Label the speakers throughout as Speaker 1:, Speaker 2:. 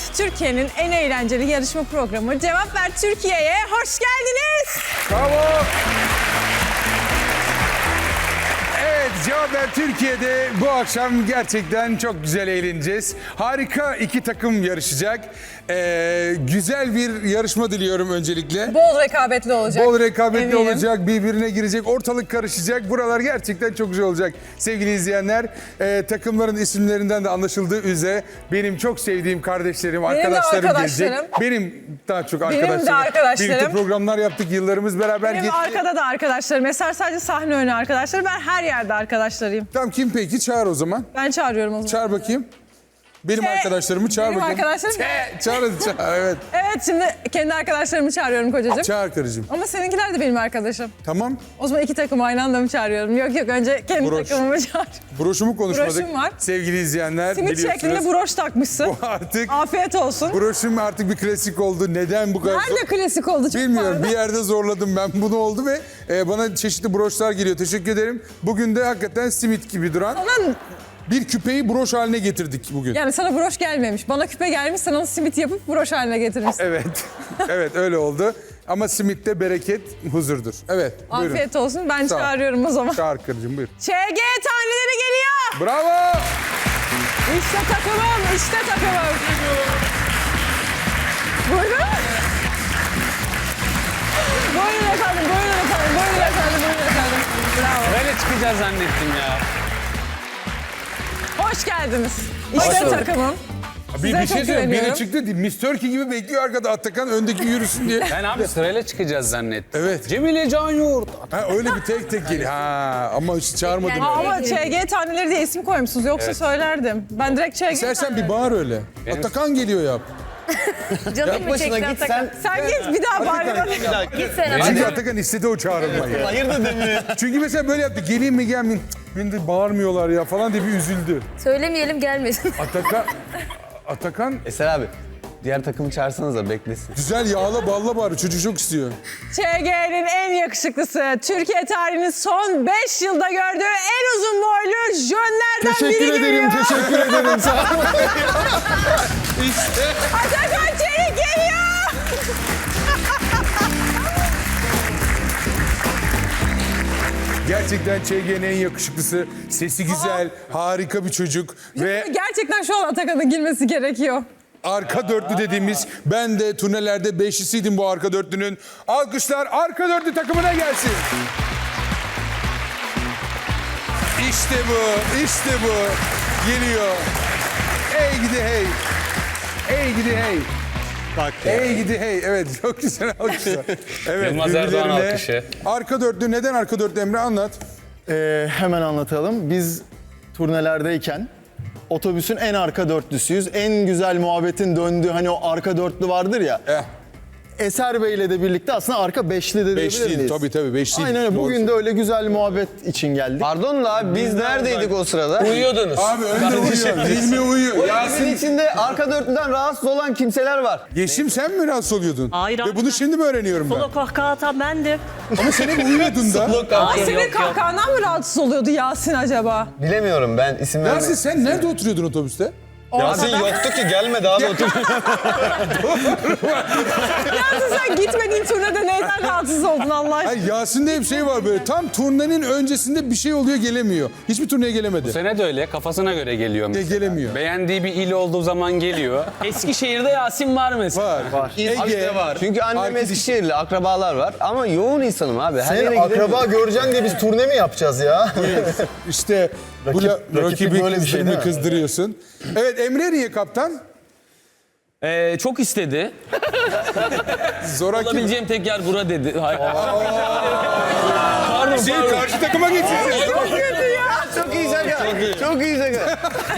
Speaker 1: Türkiye'nin en eğlenceli yarışma programı Cevap Ver Türkiye'ye hoş geldiniz.
Speaker 2: Bravo. Evet, Cevap Ver Türkiye'de bu akşam gerçekten çok güzel eğleneceğiz. Harika iki takım yarışacak. Güzel bir yarışma diliyorum öncelikle.
Speaker 1: Bol rekabetli olacak.
Speaker 2: Bol rekabetli
Speaker 1: Eminim.
Speaker 2: olacak, birbirine girecek, ortalık karışacak. Buralar gerçekten çok güzel olacak sevgili izleyenler. Takımların isimlerinden de anlaşıldığı üzere benim çok sevdiğim kardeşlerim, arkadaşlarım gelecek. Benim daha çok arkadaşlarım.
Speaker 1: Benim de arkadaşlarım.
Speaker 2: Birlikte programlar yaptık, yıllarımız beraber
Speaker 1: Benim
Speaker 2: geçti.
Speaker 1: arkada da arkadaşlarım. Eser sadece sahne önü arkadaşları. Ben her yerde arkadaşlarıyım.
Speaker 2: Tamam, kim peki? Çağır o zaman.
Speaker 1: Ben çağırıyorum o zaman.
Speaker 2: Çağır bakayım. Benim arkadaşlarımı çağır
Speaker 1: Benim
Speaker 2: bakayım.
Speaker 1: arkadaşlarım.
Speaker 2: Çağır hadi çağır, evet.
Speaker 1: Evet, şimdi kendi arkadaşlarımı çağırıyorum kocacığım.
Speaker 2: Çağır karıcığım.
Speaker 1: Ama seninkiler de benim arkadaşım.
Speaker 2: Tamam.
Speaker 1: O zaman iki takımı aynı anda mı çağırıyorum? Yok önce kendi
Speaker 2: Broş.
Speaker 1: takımımı çağır.
Speaker 2: Broşumu konuşmadık.
Speaker 1: Broşum var.
Speaker 2: Sevgili izleyenler
Speaker 1: Simit
Speaker 2: biliyorsunuz.
Speaker 1: şeklinde broş takmışsın.
Speaker 2: Bu artık
Speaker 1: Afiyet olsun.
Speaker 2: broşum artık bir klasik oldu. Neden bu kadar?
Speaker 1: Nerede klasik oldu? Çok
Speaker 2: Bilmiyorum.
Speaker 1: pardon.
Speaker 2: Bir yerde zorladım ben. Bunu oldu ve bana çeşitli broşlar geliyor. Teşekkür ederim. Bugün de hakikaten simit gibi duran
Speaker 1: Lan,
Speaker 2: bir küpeyi broş haline getirdik bugün.
Speaker 1: yani sana broş gelmemiş. Bana küpe gelmiş, sen onu simit yapıp broş haline getirmişsin.
Speaker 2: Evet. Evet, öyle oldu. Ama simitte bereket huzurdur. Evet. Buyurun.
Speaker 1: Afiyet olsun. Ben
Speaker 2: Sağ ol.
Speaker 1: çağırıyorum o zaman.
Speaker 2: Çağır karıcığım, buyur.
Speaker 1: ÇG taneleri geliyor.
Speaker 2: Bravo.
Speaker 1: İşte takımım, işte takımım. Buyurun. Buyurun efendim, buyurun efendim, buyurun efendim, buyurun efendim. Bravo.
Speaker 3: Böyle çıkacağız zannettim ya.
Speaker 1: Hoş geldiniz. İşte takımım.
Speaker 2: Bir
Speaker 1: Size
Speaker 2: şey
Speaker 1: çok
Speaker 2: söyleyeyim. Biri
Speaker 1: güveniyorum.
Speaker 2: çıktı değil. Miss Turkey gibi bekliyor arkada. Atakan öndeki yürüsün diye.
Speaker 3: Ben abi sırayla çıkacağız zannettim.
Speaker 2: Evet.
Speaker 3: Cemile Can Yoğurt.
Speaker 2: Ha, öyle bir tek geliyor. Ha, ama hiç çağırmadım.
Speaker 1: Aa, ama ÇG taneleri diye isim koymuşsunuz. Yoksa söylerdim. Ben direkt ÇG
Speaker 2: İstersen bir bağır öyle. Atakan geliyor yap.
Speaker 4: Canım mı çekti Atakan?
Speaker 1: Sen git bir daha bağır.
Speaker 4: Git sen
Speaker 2: Çünkü
Speaker 4: Atakan.
Speaker 2: Atakan istedi o çağrılmayı.
Speaker 5: Hayır dedim mi?
Speaker 2: Çünkü mesela böyle yaptı. Geleyim mi gelmeyeyim. Cık, beni de bağırmıyorlar ya falan diye bir üzüldü.
Speaker 4: Söylemeyelim gelmesin.
Speaker 2: Atakan
Speaker 5: Eser abi, diğer takımı çağırsanız da beklesin.
Speaker 2: güzel yağla balla bağırıyor. Çocuk çok istiyor.
Speaker 1: ÇG'nin en yakışıklısı, Türkiye tarihinin son 5 yılda gördüğü en uzun boylu jönlerden biri geliyor.
Speaker 2: teşekkür ederim. Sağ ol.
Speaker 1: Atakan Çelik geliyor.
Speaker 2: Gerçekten ÇG'nin en yakışıklısı. Sesi güzel, harika bir çocuk. Ve
Speaker 1: Gerçekten şu an Atakan'ın girmesi gerekiyor.
Speaker 2: arka dörtlü dediğimiz, ben de turnelerde beşlisiydim bu arka dörtlünün. Alkışlar arka dörtlü takımına gelsin. İşte bu, işte bu. Geliyor. Hey gidi hey. Hey gidi hey. Hey gidi hey. Evet, çok güzel alkışlar. Evet,
Speaker 3: Yılmaz Erdoğan
Speaker 2: birbirlerine.
Speaker 3: alkışı.
Speaker 2: Arka dörtlü, neden arka dörtlü Emre, anlat.
Speaker 6: Hemen anlatalım. Biz turnelerdeyken otobüsün en arka dörtlüsüyüz. En güzel muhabbetin döndüğü hani o arka dörtlü vardır ya. Eser Bey'le de birlikte aslında arka beşli de diyebilir
Speaker 2: Beşliydi,
Speaker 6: miyiz?
Speaker 2: tabii beşliydi.
Speaker 6: Aynen öyle.
Speaker 2: Doğru.
Speaker 6: Bugün de öyle güzel muhabbet için geldik.
Speaker 5: Pardon da abi, biz neredeydik o sırada?
Speaker 3: Uyuyordunuz.
Speaker 2: Abi önde uyuyor, Hilmi uyuyor.
Speaker 5: Bizim
Speaker 2: Yasin,
Speaker 5: içinde arka dörtlüden rahatsız olan kimseler var.
Speaker 2: Yeşim sen mi rahatsız oluyordun?
Speaker 7: Hayır
Speaker 2: Ve
Speaker 7: abi,
Speaker 2: bunu şimdi mi öğreniyorum ben?
Speaker 7: Solo kahkaha atan bendim.
Speaker 2: Ama sen hep uyuyordun da.
Speaker 7: Hayır,
Speaker 1: Senin
Speaker 7: yok, yok.
Speaker 1: kahkahandan mı rahatsız oluyordu Yasin acaba?
Speaker 5: Bilemiyorum, ben isim
Speaker 2: Yasin
Speaker 5: vermem.
Speaker 2: sen nerede oturuyordun otobüste?
Speaker 5: Yasin yoktu ki, gelmedi abi otur.
Speaker 1: Yasin sen gitmediğin turnede neyden rahatsız oldun Allah aşkına?
Speaker 2: Hayır, Yasin'de hep şey var böyle. Tam turnenin öncesinde bir şey oluyor, gelemiyor. Hiçbir turneye gelemedi.
Speaker 3: Bu sene de öyle kafasına göre geliyor mesela.
Speaker 2: Gelemiyor.
Speaker 3: Beğendiği bir il olduğu zaman geliyor. Eskişehir'de Yasin var mesela.
Speaker 2: Var. Ege
Speaker 5: var. Çünkü annem
Speaker 2: Arkadaş-
Speaker 5: Eskişehirli, akrabalar var. Ama yoğun insanım abi. Her yere
Speaker 6: Senin
Speaker 5: gidemiyorum.
Speaker 6: akraba göreceksin diye biz turne mi yapacağız ya?
Speaker 2: İşte bu
Speaker 6: Rakiplik
Speaker 2: rakibi
Speaker 6: böyle bir şey değil mi?
Speaker 2: kızdırıyorsun. Evet, Emre niye kaptan?
Speaker 8: Çok istedi.
Speaker 2: Zoraki.
Speaker 8: Olabileceğim tek yer bura dedi. Hayır.
Speaker 2: Karşı takıma geçsin.
Speaker 5: Çok iyi şaka. Çok iyi şaka.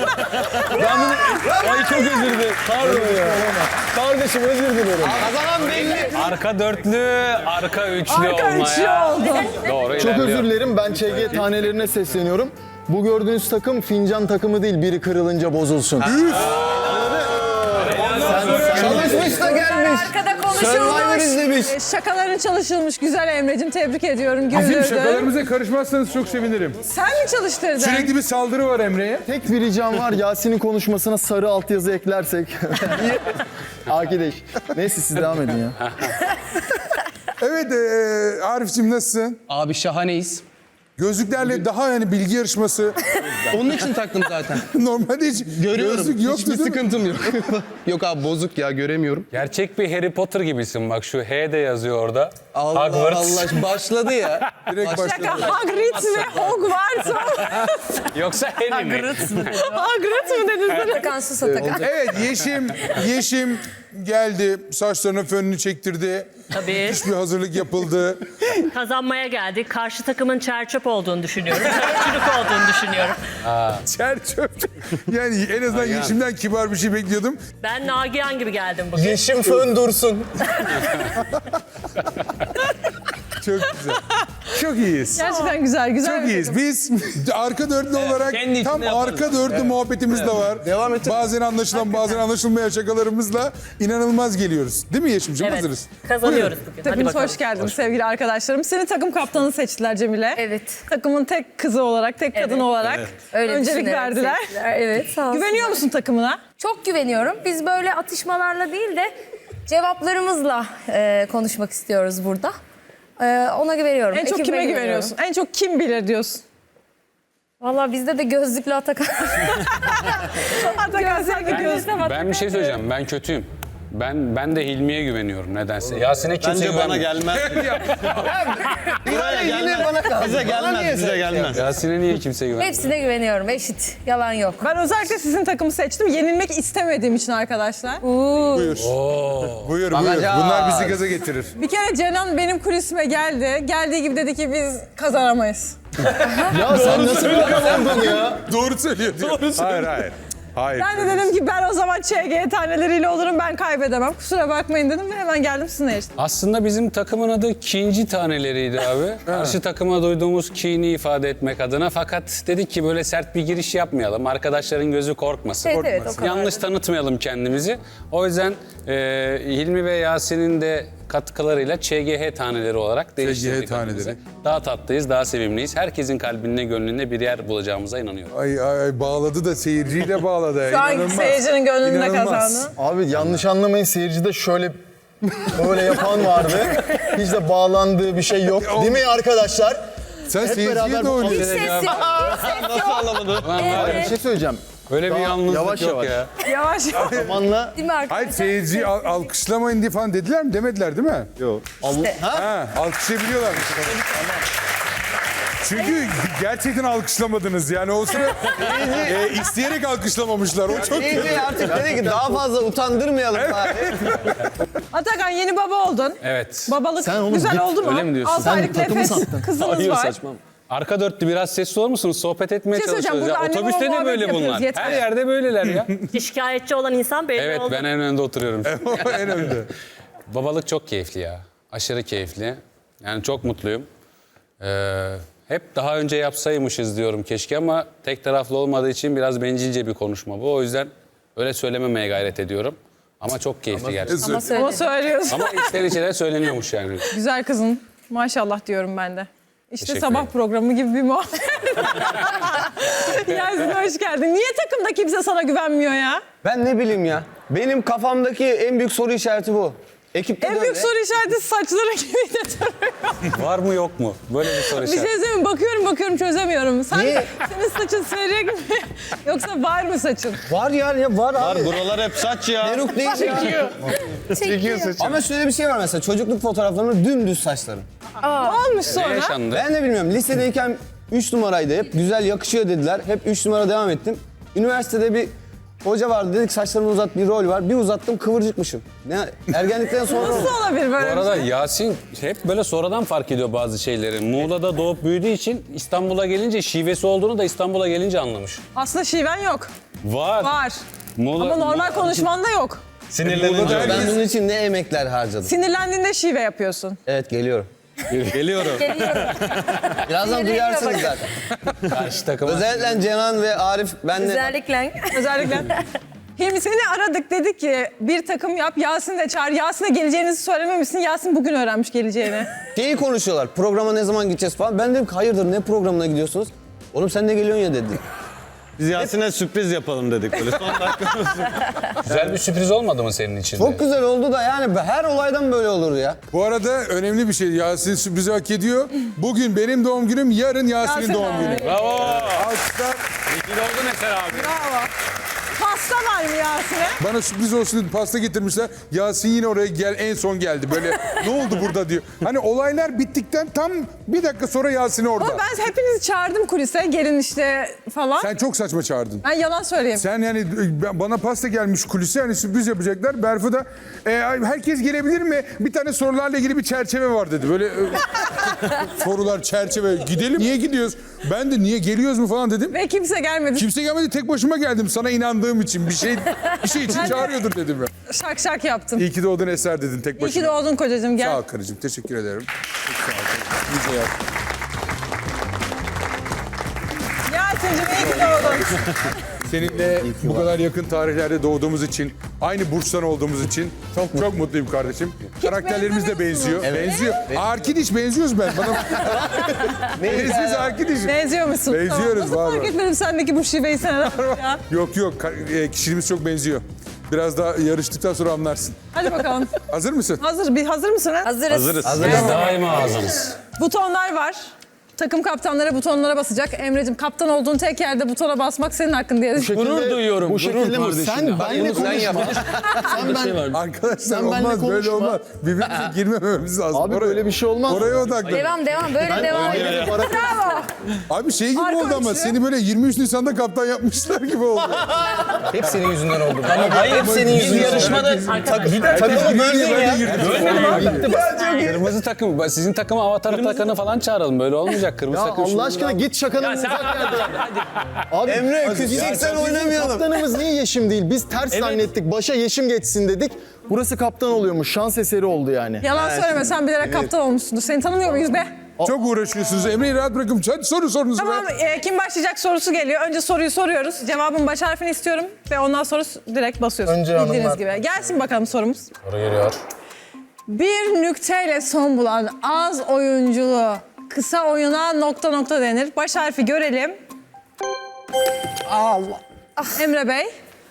Speaker 8: Ay çok özür dilerim. Pardon ya.
Speaker 5: Kardeşim özür dilerim. Kazanan belli.
Speaker 3: Arka dörtlü, arka üçlü
Speaker 1: Arka
Speaker 3: olmaya.
Speaker 1: üçlü oldu.
Speaker 3: Doğru
Speaker 6: Çok
Speaker 3: ilerliyor.
Speaker 6: özür dilerim. Ben ÇG tanelerine sesleniyorum. Bu gördüğünüz takım fincan takımı değil. Biri kırılınca bozulsun.
Speaker 2: Çalın
Speaker 5: Konuşmuş da gelmiş.
Speaker 4: Arkada
Speaker 5: Survivor
Speaker 4: konuşulmuş.
Speaker 5: izlemiş.
Speaker 1: Şakaların çalışılmış. Güzel Emre'cim, tebrik ediyorum.
Speaker 2: Bizim
Speaker 1: Güldürdün.
Speaker 2: şakalarımıza karışmazsanız çok sevinirim.
Speaker 1: Sen mi çalıştırdın?
Speaker 2: Sürekli bir saldırı var Emre'ye.
Speaker 6: Tek bir ricam var, Yasin'in konuşmasına sarı altyazı eklersek. Akideş. Neyse siz devam edin ya.
Speaker 2: Evet Arif'cim nasılsın?
Speaker 5: Abi şahaneyiz.
Speaker 2: Gözlüklerle daha yani bilgi yarışması.
Speaker 5: Onun için taktım zaten.
Speaker 2: Normalde hiç
Speaker 5: Görüyorum.
Speaker 2: gözlük yoktu
Speaker 5: Hiçbir
Speaker 2: değil mi?
Speaker 5: sıkıntım yok. Yok abi bozuk ya göremiyorum.
Speaker 3: Gerçek bir Harry Potter gibisin bak şu H de yazıyor orada.
Speaker 5: Allah
Speaker 3: Hogwarts.
Speaker 5: Allah başladı ya.
Speaker 2: Direkt başladı.
Speaker 1: Şaka Hagrid ve Hogwarts mı?
Speaker 3: Yoksa Harry mi?
Speaker 1: Hagrid mı dedin sen?
Speaker 4: Atakan sus Atakan.
Speaker 2: Evet Yeşim geldi. Saçlarına fönünü çektirdi.
Speaker 7: Tabii.
Speaker 2: Hiçbir hazırlık yapıldı.
Speaker 7: Kazanmaya geldik. Karşı takımın çerçöp olduğunu düşünüyorum. Çürük olduğunu düşünüyorum.
Speaker 2: Çerçöp. Yani en azından Yeşim'den kibar bir şey bekliyordum.
Speaker 7: Ben Nagihan gibi geldim bugün.
Speaker 5: Yeşim fön dursun.
Speaker 2: Çok güzel. Çok iyiyiz.
Speaker 1: Gerçekten güzel
Speaker 2: Çok
Speaker 1: bir
Speaker 2: iyiyiz.
Speaker 1: takım.
Speaker 2: Biz arka dörtlü olarak
Speaker 8: kendi
Speaker 2: tam
Speaker 8: içinde yaparız.
Speaker 2: arka dörtlü muhabbetimiz de var.
Speaker 5: Devam et.
Speaker 2: Bazen anlaşılan bazen anlaşılmayan şakalarımızla inanılmaz geliyoruz. Değil mi Yeşim'ciğim?
Speaker 7: Evet.
Speaker 2: Hazırız.
Speaker 7: Kazanıyoruz bugün. Hadi
Speaker 1: Hepiniz
Speaker 7: bakalım.
Speaker 1: hoş geldiniz sevgili arkadaşlarım. Seni takım kaptanı seçtiler Cemile.
Speaker 4: Evet.
Speaker 1: Takımın tek kızı olarak, tek kadın olarak
Speaker 4: Öyle
Speaker 1: öncelik
Speaker 4: düşünerek
Speaker 1: verdiler.
Speaker 4: seçtiler. Evet sağ olsun.
Speaker 1: Güveniyor musun takımına?
Speaker 4: Çok güveniyorum. Biz böyle atışmalarla değil de cevaplarımızla konuşmak istiyoruz burada. Ona güveniyorum.
Speaker 1: En çok
Speaker 4: Ekibime
Speaker 1: kime
Speaker 4: güveniyorum.
Speaker 1: güveniyorsun? En çok kim bilir diyorsun?
Speaker 4: Valla bizde de gözlüklü Atakan.
Speaker 1: Atakan sen de göz.
Speaker 3: Ben bir şey söyleyeceğim. Ben kötüyüm. Ben de Hilmi'ye güveniyorum nedense. Yasin'e kimse
Speaker 8: Bence bana
Speaker 3: güvenmiyor.
Speaker 8: gelmez. Buraya
Speaker 5: Yine bana kaldı.
Speaker 8: Bize gelmez, bize gelmez.
Speaker 3: Yasin'e niye kimse güvenmiyor?
Speaker 4: Hepsine güveniyorum. Eşit. Yalan yok.
Speaker 1: Ben özellikle sizin takımı seçtim. Yenilmek istemediğim için arkadaşlar.
Speaker 2: Buyur. Buyur. Bunlar bizi gaza getirir.
Speaker 1: Bir kere Cenan benim kulisime geldi. Geldiği gibi dedi ki biz kazanamayız.
Speaker 6: Ya sen nasıl bir adam oldun ya?
Speaker 2: Doğru söylüyor diyor. Hayır. Hayır.
Speaker 1: Ben de dedim ki ben o zaman ÇG taneleriyle olurum, ben kaybedemem. Kusura bakmayın dedim ve hemen geldim sizinle yarıştım.
Speaker 3: Aslında bizim takımın adı Kinci taneleriydi abi. Karşı takıma duyduğumuz kini ifade etmek adına. Fakat dedik ki böyle sert bir giriş yapmayalım. Arkadaşların gözü korkmasın.
Speaker 4: Evet, o kadar.
Speaker 3: Yanlış tanıtmayalım kendimizi. O yüzden Hilmi ve Yasin'in de katkılarıyla ÇGH taneleri olarak değiştirdik
Speaker 2: taneleri.
Speaker 3: adımızı. Daha tatlıyız, daha sevimliyiz. Herkesin kalbinde, gönlünde bir yer bulacağımıza inanıyorum.
Speaker 2: Ay bağladı da seyirciyi de bağladı.
Speaker 1: Şu an
Speaker 2: İnanılmaz.
Speaker 1: seyircinin gönlünde
Speaker 2: İnanılmaz.
Speaker 1: kazandı.
Speaker 6: Abi yanlış anlamayın, seyircide şöyle böyle yapan vardı. Hiç de bağlandığı bir şey yok. Değil mi arkadaşlar?
Speaker 2: Sen
Speaker 6: Hep
Speaker 2: seyirciye
Speaker 6: beraber
Speaker 2: de
Speaker 6: bu
Speaker 2: oynuyorsun.
Speaker 4: Ses yok.
Speaker 8: Nasıl anlamadı?
Speaker 6: Hayır, bir şey söyleyeceğim.
Speaker 3: Öyle bir
Speaker 6: Daha
Speaker 3: yalnızlık
Speaker 6: yavaş
Speaker 3: yok
Speaker 6: yavaş.
Speaker 3: ya.
Speaker 1: Yavaş yavaş.
Speaker 6: Zamanla...
Speaker 4: Değil mi arkadaşlar?
Speaker 2: Hayır seyirciyi alkışlamayın diye falan dediler mi? Demediler değil mi?
Speaker 6: Yok.
Speaker 2: Ha, alkışlayabiliyorlarmış. Çünkü gerçekten alkışlamadınız yani o sıra isteyerek alkışlamamışlar. O çok
Speaker 5: İyice artık dedi ki daha fazla utandırmayalım bari.
Speaker 1: Atakan yeni baba oldun.
Speaker 3: Evet.
Speaker 1: Babalık
Speaker 6: Sen oğlum
Speaker 1: güzel
Speaker 6: git,
Speaker 1: oldu mu?
Speaker 3: öyle mi diyorsun?
Speaker 1: 6
Speaker 6: Sen
Speaker 1: aylık
Speaker 6: takımı
Speaker 1: nefes
Speaker 6: sattın.
Speaker 1: kızınız
Speaker 3: Hayır
Speaker 1: var.
Speaker 3: saçmam. Arka dörtlü biraz sesli olur musunuz? Sohbet etmeye
Speaker 1: Bir şey söyleyeceğim,
Speaker 3: çalışıyoruz. Ya.
Speaker 1: burada anne
Speaker 3: Otobüste
Speaker 1: baba
Speaker 3: de böyle
Speaker 1: muhabbet
Speaker 3: bunlar.
Speaker 1: yapıyoruz,
Speaker 3: Her
Speaker 1: yeter.
Speaker 3: yerde böyleler ya.
Speaker 7: Şikayetçi olan insan belli
Speaker 3: Evet
Speaker 7: oldu.
Speaker 3: ben en önde oturuyorum.
Speaker 2: en önde.
Speaker 3: Babalık çok keyifli ya. Aşırı keyifli. Yani çok mutluyum. Hep daha önce yapsaymışız diyorum keşke ama tek taraflı olmadığı için biraz bencilce bir konuşma bu. O yüzden öyle söylememeye gayret ediyorum. Ama çok keyifli gerçekten.
Speaker 4: Ama söyle.
Speaker 1: Ama söylüyorsun.
Speaker 3: Ama içten içe de söyleniyormuş yani.
Speaker 1: Güzel kızın. Maşallah diyorum ben de. İşte
Speaker 3: Teşekkür
Speaker 1: sabah
Speaker 3: ederim.
Speaker 1: programı gibi bir muhabbet. Yasin hoş geldin. Niye takımda kimse sana güvenmiyor ya?
Speaker 5: Ben ne bileyim ya. Benim kafamdaki en büyük soru işareti bu. Ekipte
Speaker 1: En
Speaker 5: de
Speaker 1: büyük
Speaker 5: öyle.
Speaker 1: soru işareti saçları gibi de duruyor.
Speaker 3: Var mı yok mu? Böyle bir soru
Speaker 1: Bir şey
Speaker 3: işareti.
Speaker 1: söyleyeyim mi? Bakıyorum çözemiyorum.
Speaker 5: Niye?
Speaker 1: Senin saçın seyrek mi? Yoksa var mı saçın?
Speaker 5: Var ya var abi.
Speaker 8: Var buralar hep saç ya.
Speaker 5: Peruk değil ya.
Speaker 4: Çekiyor.
Speaker 5: Ama şöyle bir şey var mesela çocukluk fotoğraflarımda dümdüz saçlarım.
Speaker 1: Ne olmuş
Speaker 3: Ne
Speaker 1: sonra?
Speaker 3: yaşandı?
Speaker 5: Ben de bilmiyorum. Lisedeyken 3 numaraydı hep. Güzel yakışıyor dediler. Hep 3 numara devam ettim. Üniversitede bir hoca vardı dedik saçlarını uzat bir rol var. Bir uzattım kıvırcıkmışım. Ne ergenlikten sonra oldu.
Speaker 1: Nasıl olabilir
Speaker 3: Bu
Speaker 1: böyle bir
Speaker 3: arada
Speaker 1: şey?
Speaker 3: Yasin hep böyle sonradan fark ediyor bazı şeyleri. Muğla'da doğup büyüdüğü için İstanbul'a gelince şivesi olduğunu da İstanbul'a gelince anlamış.
Speaker 1: Aslında şiven yok.
Speaker 3: Var.
Speaker 1: Var.
Speaker 3: Muğla,
Speaker 1: Ama normal konuşmanda yok.
Speaker 3: sinirlenince.
Speaker 5: Ben bunun için ne emekler harcadım.
Speaker 1: Sinirlendiğinde şive yapıyorsun.
Speaker 5: Evet geliyorum.
Speaker 3: Geliyorum.
Speaker 5: Birazdan duyarsınız zaten.
Speaker 3: Karşı takıma.
Speaker 5: Özellikle Cenan ve Arif benle
Speaker 4: Özellikle.
Speaker 1: Özellikle. Hilmi seni aradık, dedik ki bir takım yap, Yasin'i de çağır. Yasin'e geleceğinizi söylememişsin. Yasin bugün öğrenmiş geleceğini.
Speaker 5: Şeyi konuşuyorlar. Programa ne zaman gideceğiz falan. Ben dedim ki hayırdır ne programına gidiyorsunuz? Oğlum sen de geliyorsun ya dedi.
Speaker 8: Biz Yasin'e sürpriz yapalım dedik böyle. Son dakika.
Speaker 3: Güzel bir sürpriz olmadı mı senin için?
Speaker 5: Çok güzel oldu da yani her olaydan böyle olur ya.
Speaker 2: Bu arada önemli bir şey. Yasin sürprizi hak ediyor. Bugün benim doğum günüm, yarın Yasin'in
Speaker 1: Yasin
Speaker 2: doğum
Speaker 1: abi.
Speaker 2: günü.
Speaker 3: Bravo.
Speaker 2: Alkışlar.
Speaker 3: İyi ki doğdun Eser abi.
Speaker 1: Bravo. Pasta var mı Yasin'e?
Speaker 2: Bana sürpriz olsun dedi, pasta getirmişler. Yasin yine oraya en son geldi. Böyle ne oldu burada diyor. Hani olaylar bittikten tam bir dakika sonra Yasin orada.
Speaker 1: Ama ben hepinizi çağırdım kulise. Gelin işte falan.
Speaker 2: Sen çok saçma çağırdın.
Speaker 1: Ben yalan söyleyeyim.
Speaker 2: Sen yani bana pasta gelmiş kulise, hani sürpriz yapacaklar. Berfu da herkes gelebilir mi? Bir tane sorularla ilgili bir çerçeve var dedi. Böyle sorular, çerçeve. Gidelim. Niye gidiyoruz? Ben de niye geliyoruz mu falan dedim.
Speaker 1: Ve kimse gelmedi.
Speaker 2: Kimse gelmedi, tek başıma geldim. Sana inandığım için bir şey için çağırıyordur dedim ya.
Speaker 1: Şak şak yaptım.
Speaker 2: İyi ki doğdun Eser dedin tek
Speaker 1: İyi
Speaker 2: başına.
Speaker 1: ki doğdun kocacığım, gel.
Speaker 2: Sağ ol karıcığım, teşekkür ederim. Çok sağ ol. Nice yap.
Speaker 1: Yasin'cim iyi ki doğdun.
Speaker 2: Seninle bu kadar yakın tarihlerde doğduğumuz için, aynı burçtan olduğumuz için çok mutluyum kardeşim. Karakterlerimiz de benziyor. Benziyor. Arkidiş benziyoruz ben. Bana benziyoruz Arkidiş.
Speaker 1: Benziyor musun?
Speaker 2: Benziyoruz,
Speaker 1: Nasıl
Speaker 2: var
Speaker 1: fark
Speaker 2: var.
Speaker 1: etmedim sendeki bu şiveyi sen ya.
Speaker 2: Yok kişiliğimiz çok benziyor. Biraz daha yarıştıktan sonra anlarsın.
Speaker 1: Hadi bakalım.
Speaker 2: Hazır mısın?
Speaker 1: Hazır mısınız?
Speaker 4: Hazırız.
Speaker 3: Biz daima hazırız.
Speaker 1: Butonlar var. Takım kaptanları butonlara basacak. Emre'cim kaptan olduğun tek yerde butona basmak senin hakkın diye.
Speaker 6: Gurur duyuyorum. Bu şekilde mi? Sen benle konuşma.
Speaker 2: Arkadaşlar
Speaker 6: Sen benimle
Speaker 2: olmaz, böyle
Speaker 6: konuşma.
Speaker 2: olmaz. Birbirimize girmememiz lazım.
Speaker 6: Abi böyle bir şey olmaz.
Speaker 2: Oraya odaklan.
Speaker 4: Devam. Böyle devam edelim. Bravo.
Speaker 2: Abi şey gibi
Speaker 1: Arka
Speaker 2: oldu ama
Speaker 1: üçlü.
Speaker 2: seni böyle 23 Nisan'da kaptan yapmışlar gibi oldu.
Speaker 5: Hep senin yüzünden oldu.
Speaker 8: Hayır senin yüzünden. Yarışmada takımı böldün ya.
Speaker 3: Kırmızı takım. Sizin takıma avatar takanı falan çağıralım. Böyle olmayacak. Kırmızı
Speaker 6: Ya
Speaker 3: takım.
Speaker 6: Allah
Speaker 3: şimdi-
Speaker 6: aşkına git şakanın uzak yerden. Abi
Speaker 5: Emre,
Speaker 6: bizim
Speaker 5: küçücüksen oynamayalım.
Speaker 6: Kaptanımız niye Yeşim değil? Biz ters zannettik. Başa Yeşim geçsin dedik. Burası kaptan oluyormuş. Şans eseri oldu yani.
Speaker 1: Yalan söyleme, sen bilerek kaptan olmuşsundur. Seni tanımıyor muyuz be?
Speaker 2: Çok uğraşıyorsunuz. Emre'yi rahat bırakın. Hadi sorunuzu
Speaker 1: Tamam,
Speaker 2: be.
Speaker 1: kim başlayacak sorusu geliyor. Önce soruyu soruyoruz. Cevabın baş harfini istiyorum ve ondan sonra direkt basıyorsun.
Speaker 6: Önce
Speaker 1: Bildiğiniz
Speaker 6: hanımlar.
Speaker 1: gibi. Gelsin bakalım sorumuz.
Speaker 3: Soru geliyor.
Speaker 1: Bir nükteyle son bulan az oyunculu kısa oyuna ... denir. Baş harfi görelim. Allah. Emre Bey.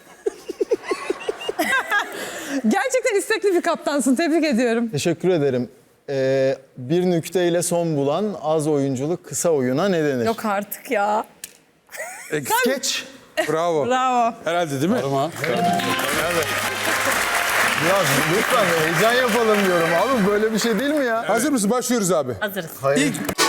Speaker 1: Gerçekten istekli bir kaptansın. Tebrik ediyorum.
Speaker 6: Teşekkür ederim. Bir nükteyle son bulan az oyunculuk kısa oyuna ne denir?
Speaker 4: Yok artık ya.
Speaker 6: Geç.
Speaker 2: Bravo.
Speaker 1: Bravo.
Speaker 2: Herhalde değil mi?
Speaker 3: Ama
Speaker 6: Ya lütfen heyecan yapalım diyorum abi. Böyle bir şey değil mi ya?
Speaker 2: Hazır mısın? Başlıyoruz abi.
Speaker 7: Hazırız.
Speaker 2: İlk